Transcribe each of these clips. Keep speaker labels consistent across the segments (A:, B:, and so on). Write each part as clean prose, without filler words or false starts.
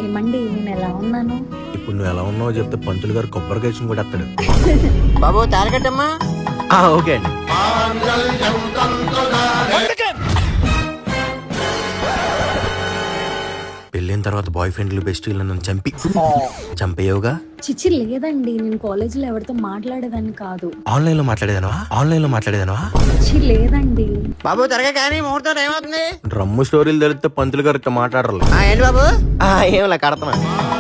A: ఏమండి నేను ఎలా ఉన్నాను?
B: ఇప్పుడు నువ్వు ఎలా ఉన్నావో చెప్తే పంతులు గారు కొబ్బరికాయ కూడా వస్తాడు.
C: బాబు తారకట్టమ్మా.
B: ఓకే అండి. పెళ్ళైన తర్వాత బాయ్ ఫ్రెండ్లు బెస్టీలు నన్ను చంపేయవుగా?
A: చిచ్చి లేదండి, నేను కాలేజీలో ఎవరితో మాట్లాడేదాన్ని కాదు.
B: ఆన్లైన్ లో మాట్లాడేదానవా?
A: చిచ్చి లేదండి.
C: బాబు త్వరగా కానీ ముహూర్తం టైం అవుతుంది.
B: డ్రమ్ము స్టోరీలు తెలిస్తే పంతులు గారు మాట్లాడరు.
C: ఏంటి బాబు?
B: ఏమలా కడతనా?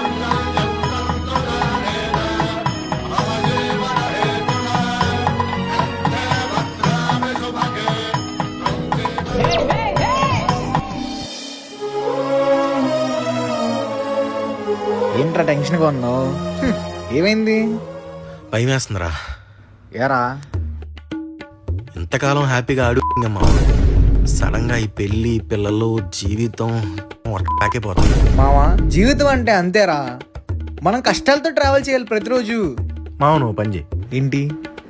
D: ఏంట్రా టెన్షన్ గా ఉన్నావు? ఏమైంది?
B: భయం వేస్తుందిరా.
D: ఏరా
B: ఇంతకాలం హ్యాపీగా ఆడుకుందమ్మా, సడన్ గా ఈ పెళ్లి పిల్లలు జీవితం వర్కాకిపోతుంది.
D: మావా, జీవితం అంటే అంతేరా, మనం కష్టాలతో ట్రావెల్ చేయాలి ప్రతిరోజు.
B: మావ నువ్వు పని చేయి.
D: ఏంటి?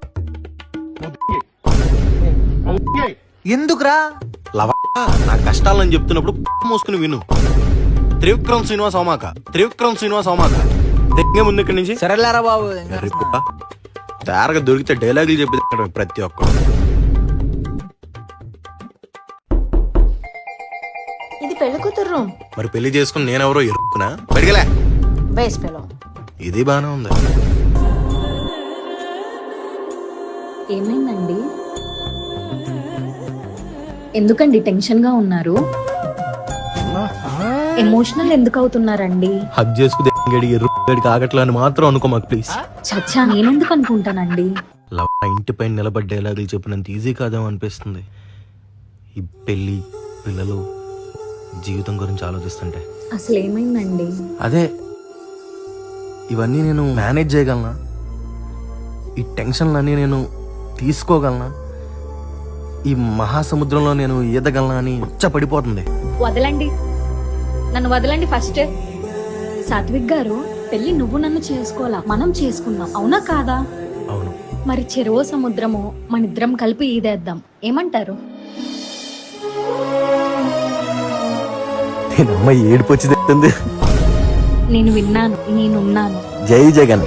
D: ఎందుకురా?
B: లవ నా కష్టాలని చెప్తున్నప్పుడు మోసుకుని విను. త్రివిక్రమ్ శ్రీనివాస్ అవమాక దగ్గర ముందు ఇక్కడి నుంచి.
D: సరేలేరా బాబు.
B: తేరగా దొరికితే డైలాగులు చెప్పి ప్రతి ఒక్కరు.
E: ఇది పెళ్లి కూతురు రూమ్.
B: మరి పెళ్లి చేసుకుని నేనెవరో ఎరుక్కునా బడిగలే.
E: బేస్ పెలో
B: ఇది బానే ఉంది.
A: ఏమైందండి? ఎందుకండి టెన్షన్ గా ఉన్నారు? ఎమోషనల్ ఎందుకు అవుతున్నారండి?
B: హగ్ చేసుకుని ఎరుగడికి ఆగట్లా అని మాత్రం అనుకో మాకు ప్లీజ్.
A: చచ్చా, నేనెందుకు అనుకుంటానండి?
B: ఇంటి పైన నిలబడి డైలాగులు చెప్పినంత ఈజీ కాదేమో అనిపిస్తుంది. ఈ పెళ్లి పిల్లలు జీవితం గురించి ఆలోచిస్తుంటే.
A: అసలు ఏమైందండి?
B: అదే ఇవన్నీ నేను మేనేజ్ చేయగలనా? ఈ టెన్షన్లన్నీ నేను తీసుకోగలనా? ఈ మహాసముద్రంలో నేను ఈదగలనా అని పడిపోతుంది.
A: వదలండి, నన్ను వదలండి ఫస్ట్. సాత్విక్ గారు, పెళ్లి నువ్వు నన్ను చేసుకోవాలా, మనం చేసుకుందాం, అవునా కాదా?
B: అవును.
A: మరి చెరువు సముద్రము మనిద్దరం కలిపి ఈదేద్దాం, ఏమంటారు?
B: ఏడుపు వచ్చి తెస్తుంది.
A: నేను విన్నాను, నేనున్నాను.
B: జై జగన్.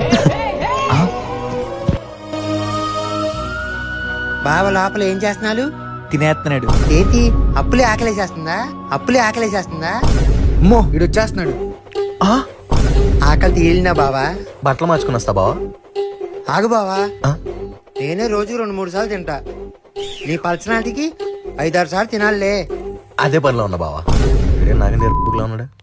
C: బావ లోపల ఏం చేస్తున్నాడు?
D: తినేస్తున్నాడు.
C: ఏంటి అప్పులే ఆకలేసేస్తుందా?
D: అమ్మో, వీడు వచ్చేస్తున్నాడు.
C: ఆకలి తీలినా బావా?
B: బట్టలు మార్చుకుని వస్తా బావా.
C: ఆగు బావా, నేనే రోజు 2-3 సార్లు తింటా. నీ పర్సనాలిటీకి 5-6 సార్లు తినాలే.
B: అదే పనిలో ఉన్నా బావా. నాకే నేర్పులో ఉన్నాడు.